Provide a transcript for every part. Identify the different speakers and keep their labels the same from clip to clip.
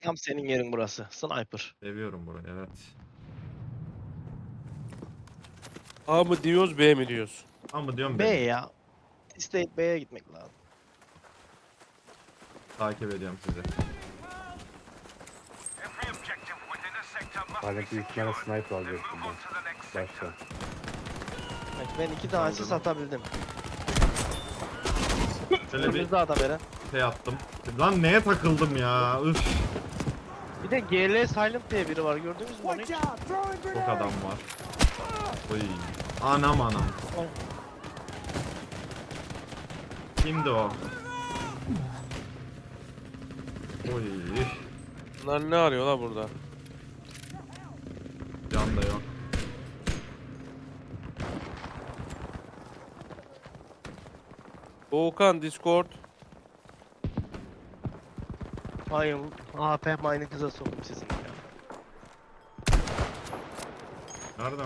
Speaker 1: Tam senin yerin burası. Sniper.
Speaker 2: Seviyorum burayı, evet.
Speaker 3: A mı diyoruz B mi diyoruz?
Speaker 2: Ama diyorum
Speaker 1: B
Speaker 2: beni.
Speaker 1: ya. İsteyip B'ye gitmek lazım.
Speaker 2: Takip ediyorum sizi.
Speaker 4: Halbuki büyük ihtimalle sniper alacaktım ben. Başta.
Speaker 1: Evet, ben 2 tane asist
Speaker 2: Saldırı.
Speaker 1: atabildim.
Speaker 2: Şöyle bir
Speaker 1: Önümüzde adam Eren.
Speaker 2: şey attım. Lan neye takıldım ya? Üf.
Speaker 1: Bir de GL Silent diye biri var, gördünüz mü onu hiç?
Speaker 2: Çok adam var. Oy. Anam anam.
Speaker 1: Ay.
Speaker 2: Kimdi o? Oy.
Speaker 3: Bunlar ne arıyor la burada?
Speaker 2: Can da yok.
Speaker 3: Doğukan Discord.
Speaker 1: Hayır, APM aynı kıza soktum sizin ya.
Speaker 2: Nereden?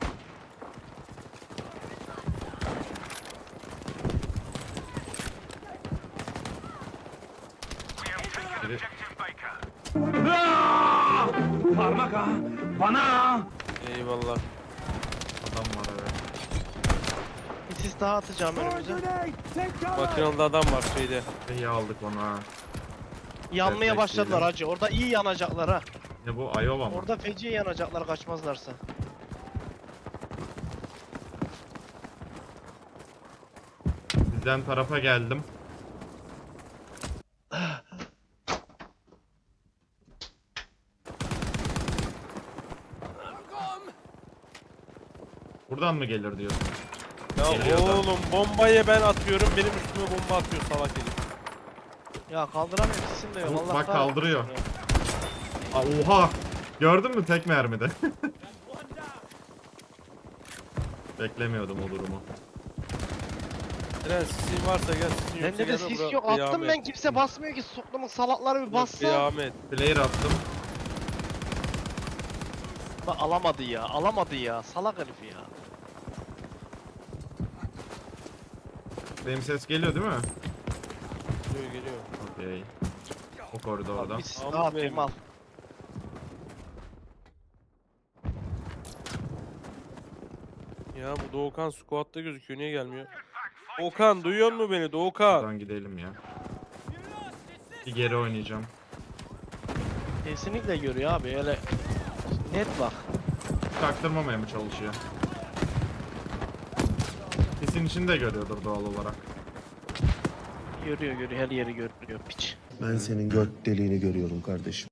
Speaker 2: Biri...
Speaker 3: Eyvallah.
Speaker 2: Adam var evet.
Speaker 1: Bir sis daha atacağım önümüze.
Speaker 3: Makinalı adam var şeyde.
Speaker 2: İyi aldık onu ha.
Speaker 1: Yanmaya
Speaker 2: Refleksleyelim.
Speaker 1: başladılar hacı. Orada iyi yanacaklar ha.
Speaker 2: Ne bu? Iowa mı?
Speaker 1: Orada feci yanacaklar kaçmazlarsa.
Speaker 2: Sizden tarafa geldim. Buradan mı gelir diyorsun?
Speaker 3: Ya
Speaker 2: Geliyor da.
Speaker 3: oğlum bombayı ben atıyorum, benim üstüme bomba atıyor salak herif.
Speaker 1: Ya kaldıramıyorum, sesim de yok. Allah
Speaker 2: Bak
Speaker 1: kahretsin
Speaker 2: kaldırıyor.
Speaker 1: ya.
Speaker 2: Aa, oha! Gördün mü tek mermide? Beklemiyordum o durumu.
Speaker 3: Eren sisin varsa gel, sisin yoksa
Speaker 1: Bende de
Speaker 3: gel
Speaker 1: sis
Speaker 3: buraya,
Speaker 1: yok. Attım
Speaker 3: kıyamet.
Speaker 1: ben, kimse basmıyor ki. Soktumun salakları bir bassa.
Speaker 3: Kıyamet.
Speaker 2: Player attım.
Speaker 1: Bak alamadı ya. Alamadı ya. Salak herif ya.
Speaker 2: Benim ses geliyor değil mi?
Speaker 3: Geliyor geliyor.
Speaker 2: Okey. O koridorda.
Speaker 1: Bir sis
Speaker 3: Al
Speaker 1: daha atayım
Speaker 3: benim.
Speaker 1: al.
Speaker 3: Ya bu Doğukan squat'ta gözüküyor, niye gelmiyor? Doğukan duyuyor mu beni Doğukan?
Speaker 2: Buradan gidelim ya. Bir geri oynayacağım.
Speaker 1: Kesinlikle görüyor abi. Öyle net bak.
Speaker 2: Çaktırmamaya mı çalışıyor? Sesin içinde görüyordur doğal olarak.
Speaker 1: Görüyor görüyor. Her yeri görüyor piç.
Speaker 5: Ben senin göt deliğini görüyorum kardeşim.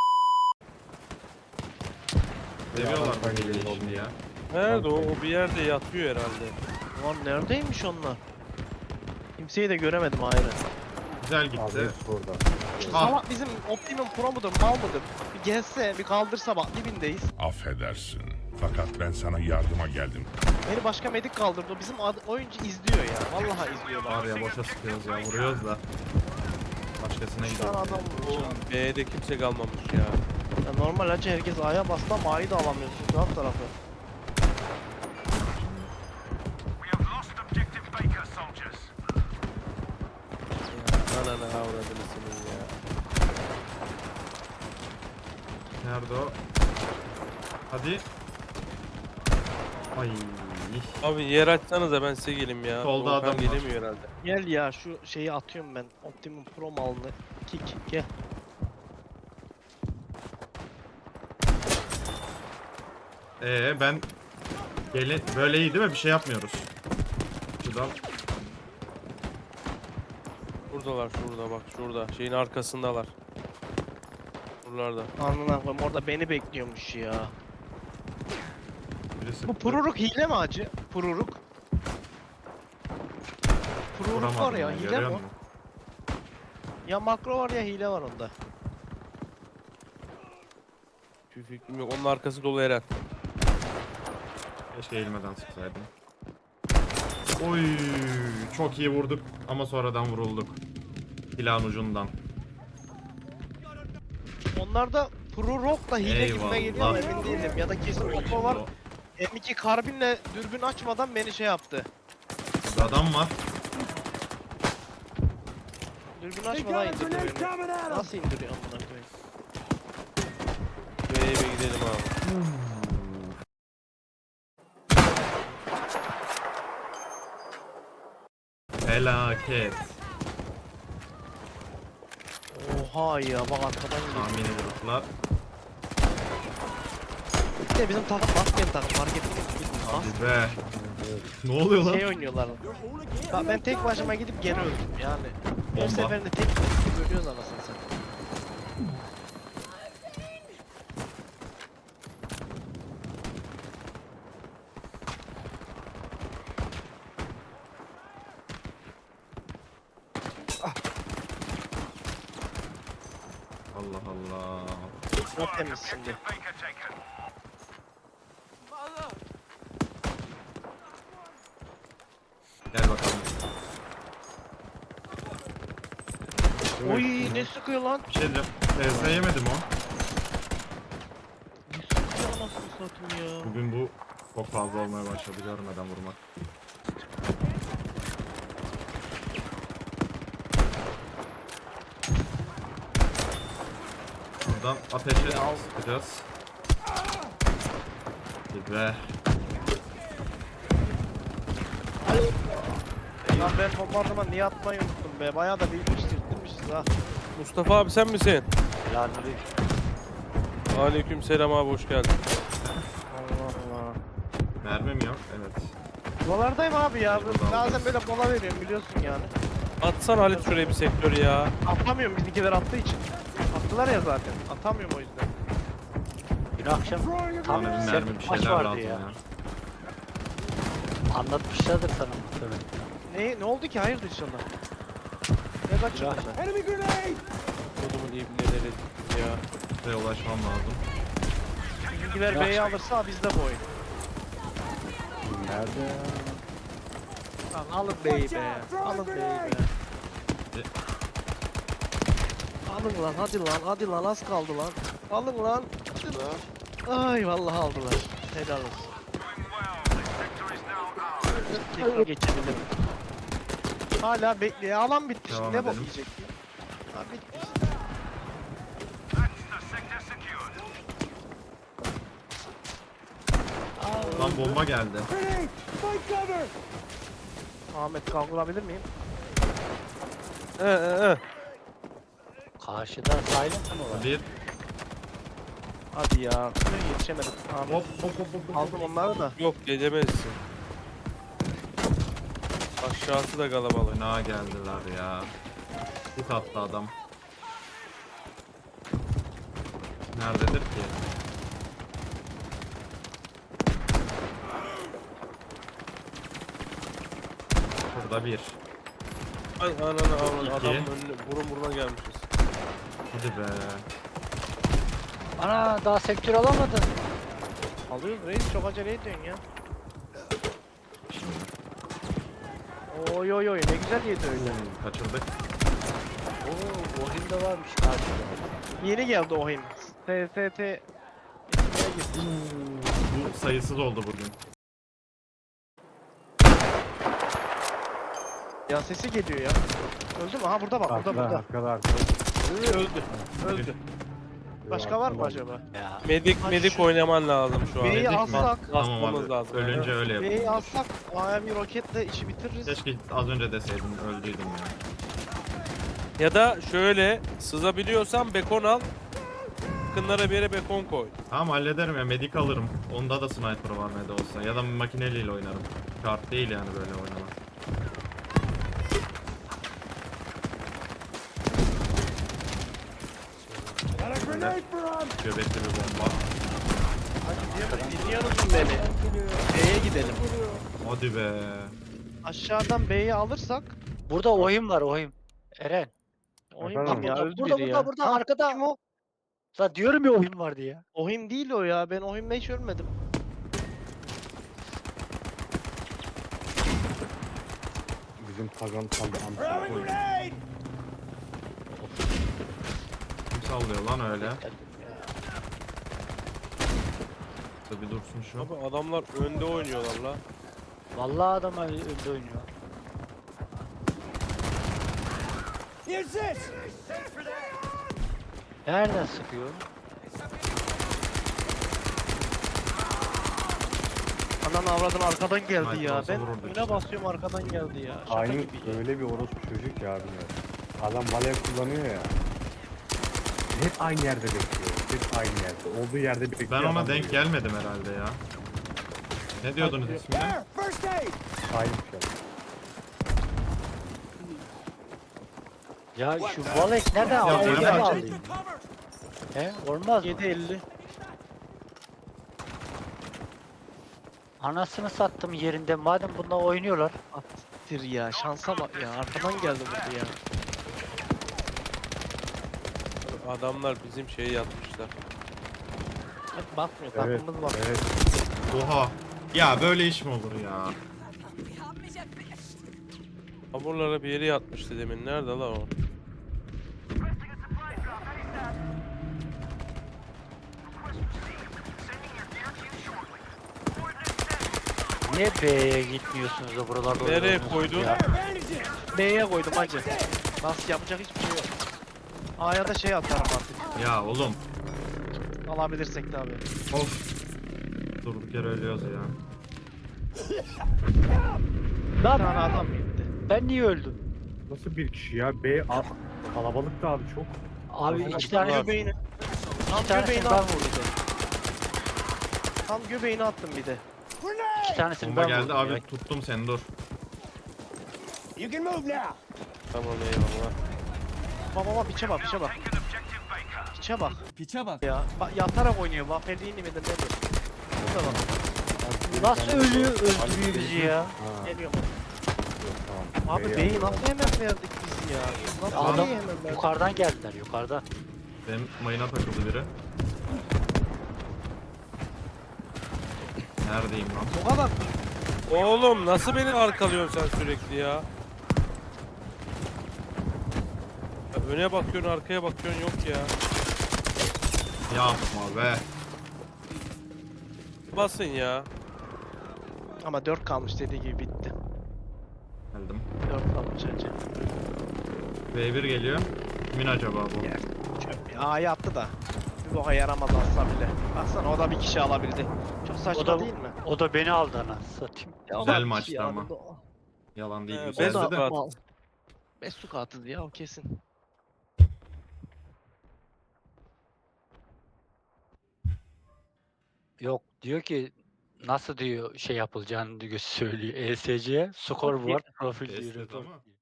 Speaker 2: Seviyorlar
Speaker 4: ben
Speaker 2: bu
Speaker 4: geleyim
Speaker 2: şimdi ya.
Speaker 3: Nerede o? O bir yerde yatıyor herhalde.
Speaker 1: Ulan neredeymiş onlar? Kimseyi de göremedim ayrı.
Speaker 2: Güzel
Speaker 4: Abi
Speaker 2: gitti.
Speaker 4: hepsi burada.
Speaker 1: Şu
Speaker 2: Ah.
Speaker 1: salak bizim Optimum Pro mudur, mal mıdır? Bir gelse, bir kaldırsa bak dibindeyiz.
Speaker 6: Affedersin. Fakat ben sana yardıma geldim.
Speaker 1: Beni başka medik kaldırdı. O bizim oyuncu izliyor ya. Vallahi izliyor bak.
Speaker 2: Var ya boşa sıkıyoruz ya. Vuruyoruz da. Başkasına
Speaker 1: Şu an
Speaker 2: gidiyor.
Speaker 1: adam vurmuş ya.
Speaker 3: B'de kimse kalmamış ya.
Speaker 1: Ya normal hacı herkes A'ya bastı ama A'yı da alamıyorsun. Alt tarafı.
Speaker 3: Ananı avradını senin ya.
Speaker 2: Nerede o? Hadi. Ay.
Speaker 3: Abi yer açsanıza ben size geleyim ya.
Speaker 2: Solda
Speaker 3: Doğukan
Speaker 2: adam var.
Speaker 3: gelemiyor herhalde.
Speaker 1: Gel ya şu şeyi atıyorum ben. Optimum Pro malını. Kick gel.
Speaker 2: Ben böyle iyi değil mi? Bir şey yapmıyoruz. Şuradan.
Speaker 3: Buradalar, şurada bak, şurada. Şeyin arkasındalar. Buralarda.
Speaker 1: Anına koyayım, orada beni bekliyormuş ya.
Speaker 2: Biri sıktı.
Speaker 1: Bu Pururuk hile mi hacı? Pururuk. Pururuk var
Speaker 2: Vuramadım
Speaker 1: ya,
Speaker 2: ben,
Speaker 1: hile
Speaker 2: görüyor
Speaker 1: mi?
Speaker 2: musun?
Speaker 1: Ya makro var ya hile var onda.
Speaker 3: Hiçbir fikrim yok. Onun arkası dolu Eren.
Speaker 2: Keşke eğilmeden sıksaydım. Oy, çok iyi vurduk ama sonradan vurulduk. Silahın ucundan.
Speaker 1: Onlarda Pururuk'la hile
Speaker 2: Eyvallah.
Speaker 1: gibime geliyor ama emin değilim. Ya da kesin makro var. M2 karbinle dürbün açmadan beni şey yaptı.
Speaker 2: Burada adam var.
Speaker 1: Dürbün açmadan indirdi beni. Nasıl indiriyor amına koyayım?
Speaker 2: Felaket.
Speaker 1: Oha ya bak arkadan geliyor.
Speaker 2: Tahmini gruplar.
Speaker 1: Bir de bizim takım basmayan takım fark ettiniz mi?
Speaker 2: Hadi be. Ne oluyor lan?
Speaker 1: Şey oynuyorlar. Bak ben tek başıma gidip geri öldüm yani. Her
Speaker 2: Bomba.
Speaker 1: seferinde tek gidip ölüyoruz anasını satayım.
Speaker 2: Allah Allah.
Speaker 1: Çok temiz şimdi.
Speaker 2: Gel bakalım.
Speaker 1: Oy ne sıkıyor lan?
Speaker 2: Bir şey diyeceğim. TS yemedim o.
Speaker 1: Ne sıkıyor anasını satayım ya.
Speaker 2: Bugün bu çok fazla olmaya başladı görmeden vurmak. Buradan ateşe sıkacağız. Hadi be.
Speaker 1: Lan ben bombardıman niye atmayı unuttum be. Bayağı da bitirmişiz ha.
Speaker 3: Mustafa abi sen misin?
Speaker 1: Selamünaleyküm.
Speaker 3: Aleyküm selam abi hoş geldin.
Speaker 1: Allah Allah.
Speaker 2: Mermim yok. Evet.
Speaker 1: Dolardayım abi ya.
Speaker 2: Burada
Speaker 1: Bazen böyle mola veriyorum biliyorsun yani.
Speaker 3: Atsana Halit şuraya bir sektör ya.
Speaker 1: Atamıyorum bizimkiler attığı için. Attılar ya zaten. Atamıyorum o yüzden.
Speaker 7: Dün akşam tam
Speaker 2: Bana bir
Speaker 7: set
Speaker 2: mermi bir
Speaker 7: maç
Speaker 2: şeyler
Speaker 7: vardı
Speaker 2: lazım
Speaker 7: ya.
Speaker 2: ya.
Speaker 7: Anlatmışlardır sana muhtemelen.
Speaker 1: Ne oldu ki? Hayırdır inşallah. Ne kaçırdın ben?
Speaker 3: Kodumun ibneleri ya.
Speaker 2: Buraya ulaşmam lazım.
Speaker 1: Bizimkiler B'yi alırsa bizde bu oyun.
Speaker 4: Nerede?
Speaker 1: Tamam alın B'yi be. Alın B'yi be. Alın lan hadi lan az kaldı lan. Alın lan. Hadi lan. Ay vallahi aldılar. Helal olsun. Tekrar geçebilirim. Hala bekliyor. Alan bitti şimdi.
Speaker 2: Devam
Speaker 1: Ne bok
Speaker 2: edelim.
Speaker 1: yiyecek? Ha bitti işte.
Speaker 2: Lan bomba geldi.
Speaker 1: Ahmet kaldırabilir miyim?
Speaker 7: Karşıda silent mı var?
Speaker 2: Bir.
Speaker 1: Hadi ya. Yetişemedim. Ahmet.
Speaker 2: Hop hop hop hop.
Speaker 1: Aldım onları da.
Speaker 3: Yok edemezsin. Aşağısı da kalabalık.
Speaker 2: Fena geldiler ya. Hit attı adam. Nerededir ki? Burada bir.
Speaker 3: Ay ananı avradı
Speaker 2: İki.
Speaker 3: adamın önüne burun buruna gelmişiz.
Speaker 2: Hadi be.
Speaker 7: Ana daha sektör alamadın.
Speaker 1: Alıyoruz reis çok acele ediyorsun ya. Oy oy oy ne güzel yedi öyle.
Speaker 2: Kaçırdık.
Speaker 7: Oo, Ohim de varmış karşıda.
Speaker 1: Yeni geldi o oyun. SST.
Speaker 2: Bu sayısız oldu bugün.
Speaker 1: Ya sesi geliyor ya. Öldü mü? Ha burada bak burada burada.
Speaker 4: Arkada.
Speaker 1: Öldü. Öldü. Başka var mı acaba?
Speaker 7: Ya.
Speaker 3: Medik oynaman lazım şu an.
Speaker 1: B'yi
Speaker 2: Medik mi?
Speaker 1: alsak.
Speaker 2: Tamam abi.
Speaker 3: Basmamız lazım.
Speaker 2: Ölünce öyle yap.
Speaker 1: B'yi alsak A'ya bir roketle işi bitiririz.
Speaker 2: Keşke az önce deseydin öldüydüm ya.
Speaker 3: Ya da şöyle sızabiliyorsan bekon al. Yakınlara bir yere bekon koy.
Speaker 2: Tamam hallederim ya, medik alırım. Onda da sniper var ne de olsa. Ya da makineliyle oynarım. Kart değil yani böyle oynamak. Böyle göbekli bir bomba.
Speaker 1: Dinliyorsunuz beni. B'ye gidelim.
Speaker 2: Hadi be.
Speaker 1: Aşağıdan B'yi alırsak
Speaker 7: Burada Ohim var Ohim. Eren.
Speaker 1: oyun
Speaker 4: Efendim?
Speaker 1: kim ya? Öldü
Speaker 7: Burada
Speaker 1: biri
Speaker 7: burada
Speaker 1: ya.
Speaker 7: burada
Speaker 1: Ha,
Speaker 7: arkada.
Speaker 1: kim o?
Speaker 7: La diyorum ya Ohim var diye.
Speaker 1: Ohim değil o ya. Ben Ohim'le hiç ölmedim.
Speaker 4: Bizim pagan kaldı.
Speaker 2: Kim sallıyor lan öyle? Bir dursun şu.
Speaker 3: Abi adamlar önde oynuyorlar la.
Speaker 7: Vallahi adam önde oynuyor. Nereden sıkıyor?
Speaker 1: Anan avradın arkadan geldi
Speaker 2: Sniper
Speaker 1: ya.
Speaker 2: olsa
Speaker 1: Ben
Speaker 2: vururduk
Speaker 1: öne
Speaker 2: işte.
Speaker 1: basıyorum arkadan geldi ya. Şaka
Speaker 4: Aynı
Speaker 1: gibi ya.
Speaker 4: öyle bir orospu çocuk ya bilmiyorum. Adam valev kullanıyor ya. Hep aynı yerde bekliyor. Hep aynı yerde. Olduğu yerde bekliyor.
Speaker 2: Ben ona
Speaker 4: adam
Speaker 2: denk
Speaker 4: vuruyor.
Speaker 2: gelmedim herhalde ya. Ne diyordunuz ismine?
Speaker 4: Sahip ya.
Speaker 7: Ya şu Valek nereden
Speaker 2: Ya
Speaker 7: aldı?
Speaker 2: nereden
Speaker 7: Nereden
Speaker 1: aldı?
Speaker 7: aldı? He olmaz mı?
Speaker 1: 7.50.
Speaker 7: Anasını sattım yerinde madem bunlar oynuyorlar.
Speaker 1: Attir ya. Şansa bak ya. Arkadan geldi vurdu ya.
Speaker 3: Adamlar bizim şeyi yatmışlar.
Speaker 1: Hep bakmıyor.
Speaker 4: Evet.
Speaker 1: Takımımız bak.
Speaker 4: Evet.
Speaker 2: Oha. Ya böyle iş mi olur ya?
Speaker 3: Hamurlara bir yere yatmıştı demin. Nerede la o?
Speaker 7: Niye B'ye gitmiyorsunuz da buralarda
Speaker 3: Nereye
Speaker 7: oynuyorsunuz
Speaker 3: koydun?
Speaker 7: ya?
Speaker 1: B'ye koydum hacı. Nasıl yapacak hiçbir şey yok. A'ya da şey atarım artık.
Speaker 2: Ya oğlum.
Speaker 1: Alabilirsek tabii.
Speaker 2: Of. Durduk yere ölüyoruz ya.
Speaker 1: Bir
Speaker 7: Lan
Speaker 1: tane adam gitti.
Speaker 7: ben niye öldüm?
Speaker 4: Nasıl bir kişi ya? Kalabalık da abi çok.
Speaker 7: Abi
Speaker 4: Nasıl
Speaker 7: iki
Speaker 1: Tam
Speaker 7: tane
Speaker 1: göbeğini. Tam
Speaker 7: tanesini
Speaker 1: göbeğini
Speaker 7: ben
Speaker 1: attım.
Speaker 7: vurdum.
Speaker 1: Tam göbeğini attım bir de.
Speaker 7: İki tanesini
Speaker 2: Bomba
Speaker 7: ben
Speaker 2: geldi
Speaker 7: vurdum
Speaker 2: abi,
Speaker 7: ya.
Speaker 2: tuttum seni, dur.
Speaker 3: Tamam eyvallah.
Speaker 1: Baba piçe bak piçe bak. Piçe bak. Piçe bak. Ya bak yatarak oynuyor. Wafelli'ni midir nedir? Burada bak.
Speaker 7: Nasıl ölüyor öldürüyor bizi ya?
Speaker 4: Ha,
Speaker 1: Geliyor.
Speaker 4: tamam.
Speaker 1: Abi
Speaker 4: B'yi
Speaker 1: beyi
Speaker 4: aldım.
Speaker 1: nasıl hemen verdik biz ya? Nasıl
Speaker 7: Adam
Speaker 1: beyi hemen verdik?
Speaker 7: yukarıdan geldiler yukarıdan.
Speaker 2: Benim mayına takıldı biri. Neredeyim lan?
Speaker 1: O kadar.
Speaker 3: Oğlum nasıl beni arkalıyorsun sen sürekli ya? Ya öne bakıyorsun, arkaya bakıyorsun, yok ya.
Speaker 2: Yapma be.
Speaker 3: Basın ya.
Speaker 1: Ama 4 kalmış dediği gibi bitti.
Speaker 2: Geldim.
Speaker 1: 4 kalmış hacı.
Speaker 2: V1 geliyor. Kimin acaba bu?
Speaker 1: Ya, çöp ya. A'yı attı da. Bir boka yaramaz atsa bile. Baksana o da bir kişi alabildi. Çok saçma
Speaker 7: O da
Speaker 1: değil mi?
Speaker 7: o da beni aldı ana satayım.
Speaker 1: Ya o
Speaker 2: Güzel
Speaker 1: da bir
Speaker 2: maçtı
Speaker 1: kişi
Speaker 2: ama.
Speaker 1: aldı o.
Speaker 2: Yalan değil,
Speaker 3: He,
Speaker 2: güzeldi
Speaker 3: ben de-
Speaker 2: de.
Speaker 3: Mal.
Speaker 1: Mesut atıldı ya o kesin.
Speaker 7: Yok diyor ki nasıl diyor şey yapılacağını diyor söylüyor. ESC'ye scoreboard profil
Speaker 2: Test
Speaker 7: diyor.
Speaker 2: et ama.